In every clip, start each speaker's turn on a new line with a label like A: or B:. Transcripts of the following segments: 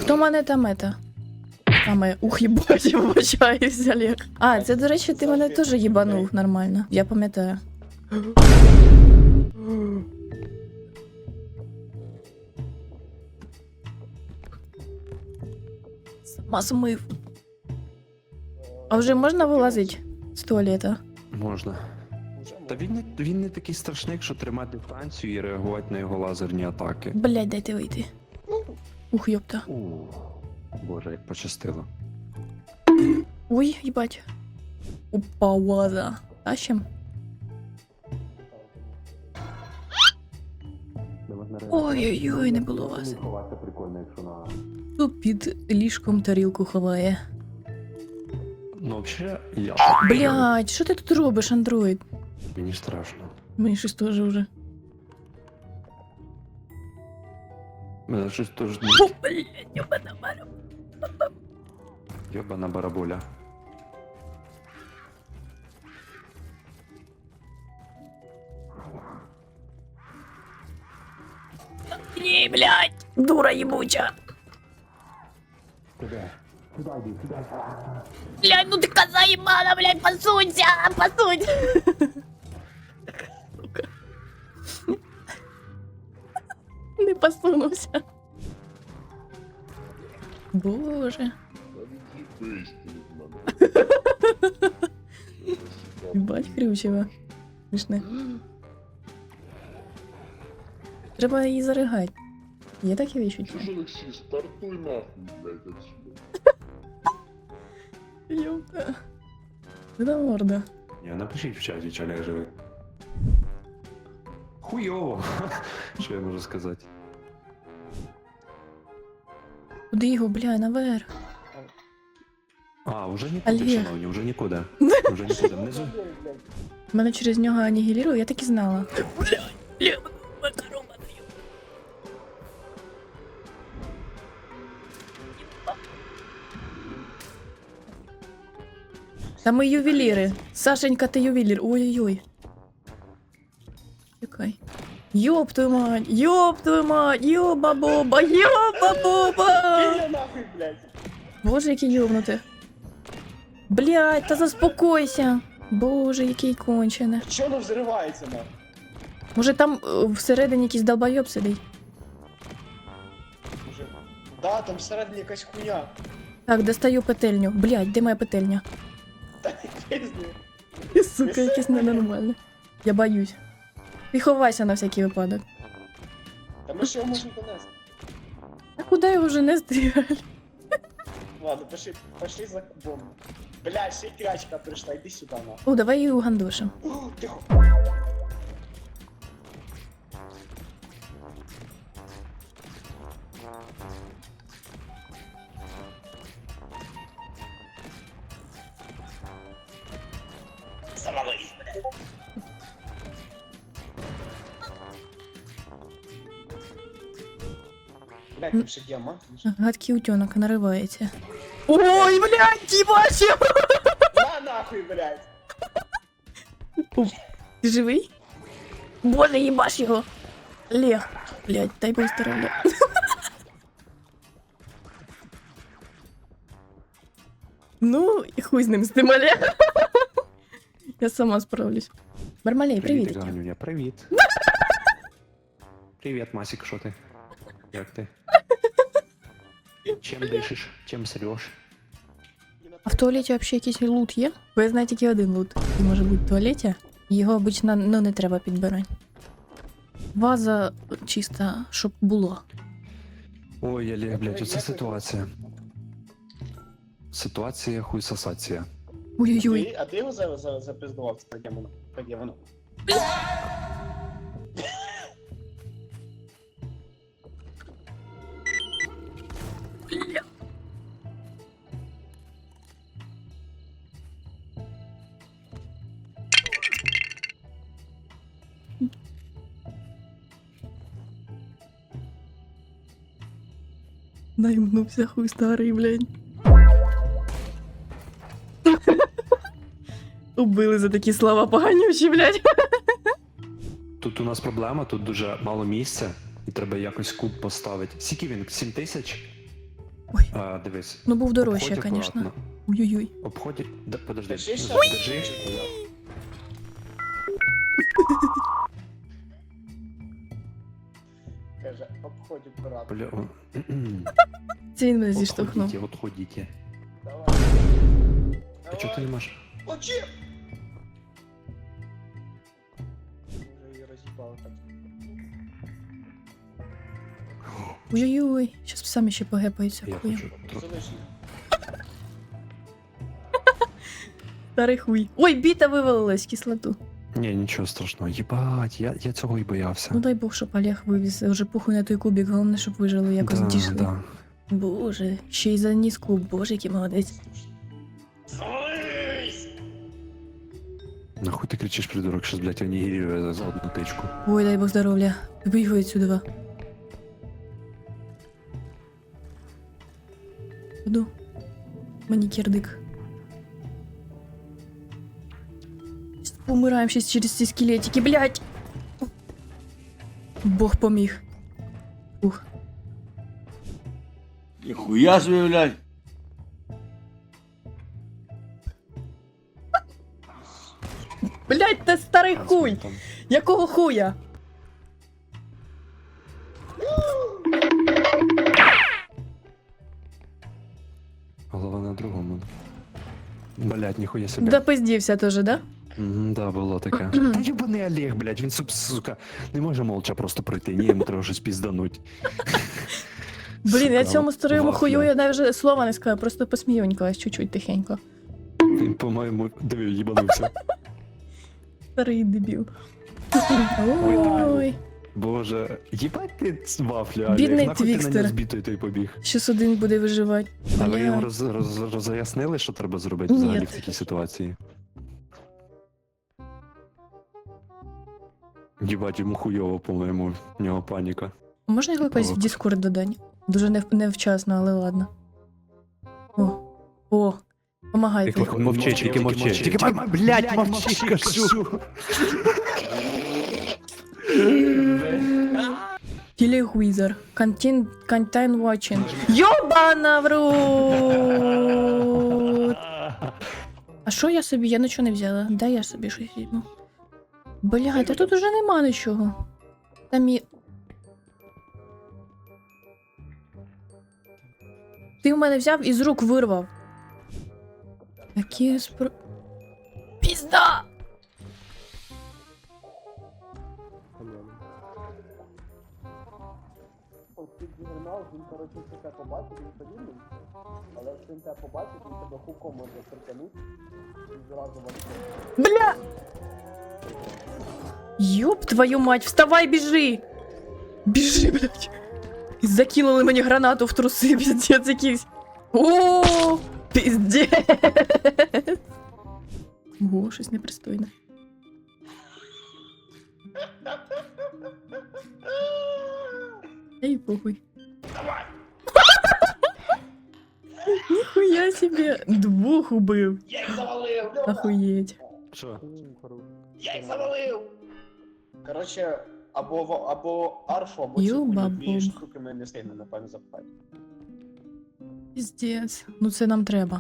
A: Хто мене там ета? Саме, ух, їбать, я вибачаюсь, Олег. А, це, до речі, ти мене теж їбанув нормально. Я пам'ятаю. Сама змив. А вже можна вилазити з туалета?
B: Можна. Та він не такий страшний, якщо тримати дистанцію і реагувати на його лазерні атаки.
A: Блядь, дайте вийти. Ух, йопта.
B: Боже, як пощастило.
A: Ой, їбать. Опа, ваза. Тащим? Ой-ой-ой, не було вас.
B: Ховатися прикольно, якщо на...
A: Хто під ліжком тарілку ховає?
B: Ну, взагалі, я...
A: Блядь, що ти тут робиш, андроїд?
B: Мені страшно.
A: Мені щось теж вже.
B: Мене щось теж...
A: О, блядь, ёбана барабуля.
B: Йобана барабуля.
A: Ні, блядь, дура ебуча.
B: Куди? Сюди йди, сюди.
A: Блядь, ну ты коза ебана, блядь, посунься, посунь. Сука. Не посунувся. Боже. Ебать хрючево. Смішне. Треба її заригати. Є такі відчуття?
C: Слушай, Алексей, стартуй нахуй, блядь, отсюда.
A: Ёпта. Это морда.
B: Ні, напишіть в чаті, чи Олег живий. Хуйово. Що я можу сказати?
A: Куди його, бля, наверх?
B: А, вже нікуди,
A: Олег.
B: шановні, вже нікуди. Вже нікуди. Внизу.
A: Мене через нього анігілірує, я так і знала. Бля, макарома даю. Та ми ювеліри. Сашенька, ти ювелір. Ой-ой-ой. Чекай. Ёб твою мать, ёба-боба, ёба-боба.
D: Іди нахуй, блядь.
A: Боже, який ёбнути. Блядь, та заспокойся. Боже, який кончене.
D: Чого воно взривається, нахуй?
A: Може там всередині якийсь долбойоб сидить?
D: Може... Да, там всередині якась хуйня.
A: Так, достаю петельню. Блядь, де моя петельня?
D: Та не пізні.
A: Сука, якесь ненормальне. Я боюсь. Ти ховайся на всякий випадок.
D: Та ми ж його можемо донести.
A: А куди його вже нести?
D: Ладно, пошли за кубом. Бля, ще й крячка прийшла, йди сюди, нахуй.
A: О, давай її угандошим.
D: Тихо. Завались, блядь. Блядь, там ще діамант.
A: Гадкий утенок наривається. Ой, блядь, їбачив!
D: На нахуй, блядь.
A: Ти живий? Боже, їбаш його! Лег. Блядь, дай Бог здоров'я. Ну, і хуй з ним з тим, Олег. Я сама справлюсь. Бармалей, привіт.
B: Ганюня, привіт. Привіт, Масік, що ти? Як ти? Чим дишиш? Чим среш?
A: А в туалеті взагалі якийсь лут є? Бо я знаю тільки один лут. Він може бути в туалеті. Його обично не треба підбирати. Ваза чиста, щоб було.
B: Ой, Олег, блядь, оце ситуація. Ситуація хуйсосація.
A: Ой-ой-ой.
D: А ти його запиздував, це таке воно. Таке воно.
A: Наймнувся хуй старий, блядь. Убили за такі слова поганючі, блядь.
B: Тут у нас проблема, тут дуже мало місця, і треба якось куб поставити. Скільки він? 7 тисяч?
A: Ой,
B: Дивись.
A: ну був дорожче,
B: Обходь
A: звісно.
B: акуратно.
A: Ой-ой-ой.
B: Обході. Да, подожди.
D: Держи ще.
B: Держи.
D: Каже, обходь акуратно.
B: Бля.
A: Це він мене зіштовхнув.
B: Отходіть.
D: Давай.
B: А чого ти не можеш?
D: Очі! Вже її роз'їбали так.
A: Ой-ой-ой. Щас самі ще погепаються.
B: Я
A: Хуя.
B: хочу трохи.
D: Залиш їх.
A: Старий хуй. Ой, біта вивалилась, кислоту.
B: Ні, нічого страшного. Єбать, я цього і боявся.
A: Ну дай Бог, щоб Олег вивіз. Вже похуй на той кубик, головне, щоб вижили, якось дійшли.
B: Да.
A: Боже, ще й заніс клуб, боже, який молодець.
D: Залиш!
B: Нахуй ти кричиш, придурок, що, блядь, онігірює за одну тичку.
A: Ой, дай Бог здоров'я. Виїхай відсюди. Іду. Мені кірдик. Помираємо щас через ці скелетики, блядь! Бог поміг. Ух.
E: Ніхуя собі, блядь.
A: Блядь, ти старий хуй!
B: Там.
A: Якого хуя?
B: Голова на другому. Блядь, ніхуя себе.
A: Допиздівся теж, да?
B: Да, було таке. Та єбаний Олег, блядь, він сука, не може молча просто пройти. Ні, йому треба щось піздануть.
A: Блін, я
B: Сука,
A: цьому старому
B: вафля.
A: хую я навіть слова не сказала, просто посміюнькалась чуть-чуть тихенько.
B: Він, по-моєму, диви, їбанувся.
A: Старий дебіл. Ой,
B: Боже, їбать ти вафлю, Олег.
A: Бідний
B: Нахуй ти на
A: твікстер.
B: нього збитий той побіг.
A: щас один буде виживати.
B: А ви йому
A: Бля.
B: роз'яснили, що треба зробити
A: Ні.
B: взагалі в такій ситуації? Їбать, йому хуйово, по-моєму, в нього паніка.
A: Можна його якось в
B: Провок.
A: Discord додати? Дуже невчасно, але ладно. О, помагайте.
B: Тільки мовчи, тільки мовчи. Тільки блядь, мовчи, кажу.
A: Телегвізор. Content watching. Йобана в рот! А що я собі? Я нічого не взяла. Дай я собі щось візьму. Блядь, а тут уже нема нічого. Там і... Ти в мене взяв і з рук вирвав. Які спро... Пізда!
D: Ти дігнав, він, коротше, тебе побачив, він подібний. Але якщо він тебе побачить, він тебе хуком може притягнути. І зразу вас.
A: Бля! Ёб твою мать, вставай, біжи! Біжи, блядь! Закинули мені гранату в труси, піздець якийсь. О, піздець! Ого, щось непристойне. Ей, похуй. Ніхуя себе! Двох убив.
D: Я їх завалив!
A: Охуєть.
B: Що?
D: Я їх завалив! Коротше, або арфу, або цю
A: Ю-ба-бум.
D: дві штуки ми не встигнемо, напевно, запхати.
A: Піздець. Ну це нам треба.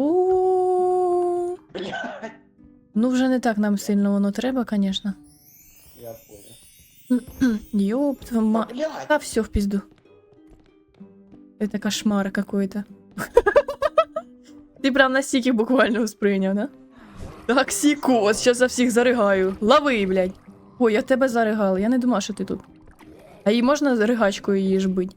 A: О,
D: Блядь!
A: ну вже не так нам сильно воно треба, конечно.
D: Я понял.
A: Ёб твою ма...
D: Блядь!
A: А все в пизду. Это кошмар какой-то. Ты прям настільки буквально восприйняв, да? Токсикоз, сейчас за всіх заригаю. Лови, блядь. Ой, я тебе заригала, я не думала, що ти тут. А її можна ригачкою її ж бить?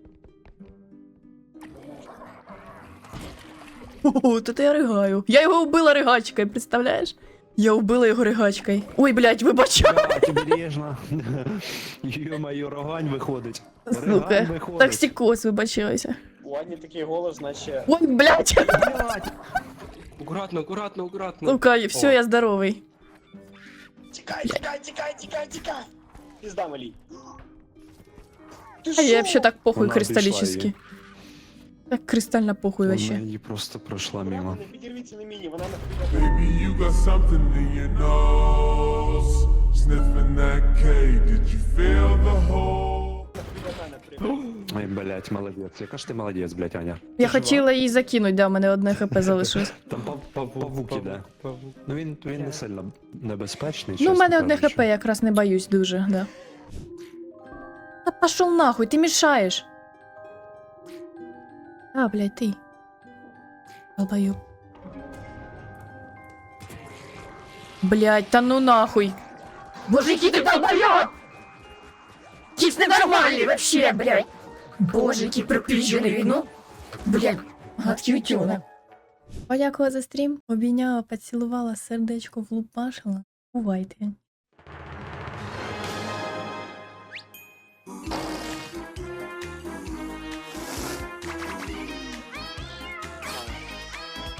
A: О, тут я ригаю. Я його вбила ригачкою, представляєш? Я вбила його ригачкою. Ой, блядь, вибачай.
B: Блядь, обережно. Йо-моє, рогань виходить. Рогань
A: Сука,
B: виходить.
A: токсикоз, вибачайся.
D: У Ані такий голос, наче...
A: Ой, блядь.
B: Блядь.
F: Аккуратно, аккуратно, аккуратно.
A: Сука, все,
F: О.
A: я здоровий.
D: Тікай, тікай, тікай, тікай, тікай! Пізда, малій. Ти
A: А я
D: шо?
A: вообще так похуй
B: Вона обійшла
A: кристаллически.
B: її.
A: Так кристально похуй
B: Вона
A: вообще.
B: її просто пройшла мимо.
D: Акуратно, не підірвіться на міні, вона на тобі
G: Baby, you got something in your nose. Sniffing that K, did you feel the hole?
D: до мене
B: Ой, блядь, молодець. Яка ж ти молодець, блядь, Аня.
A: Я
F: Ти
A: хотіла її закинути, да, у мене одне хп залишилось.
B: Там павук іде. Ну він не сильно небезпечний.
A: Ну, у
B: чесно
A: мене одне
B: кажучи.
A: хп, я якраз не боюсь дуже, да. Та пошел нахуй, ти мішаєш. А, блядь, ти. Долбоёб. Блядь, та ну нахуй. Боже, який ти долбоёб! Якийсь ненормальний вообще, блядь. Боже, який приключений, ну. Блядь, гадкий утюнок. Подякувала за стрім, обійняла, поцілувала, сердечко влупашила. Бувайте.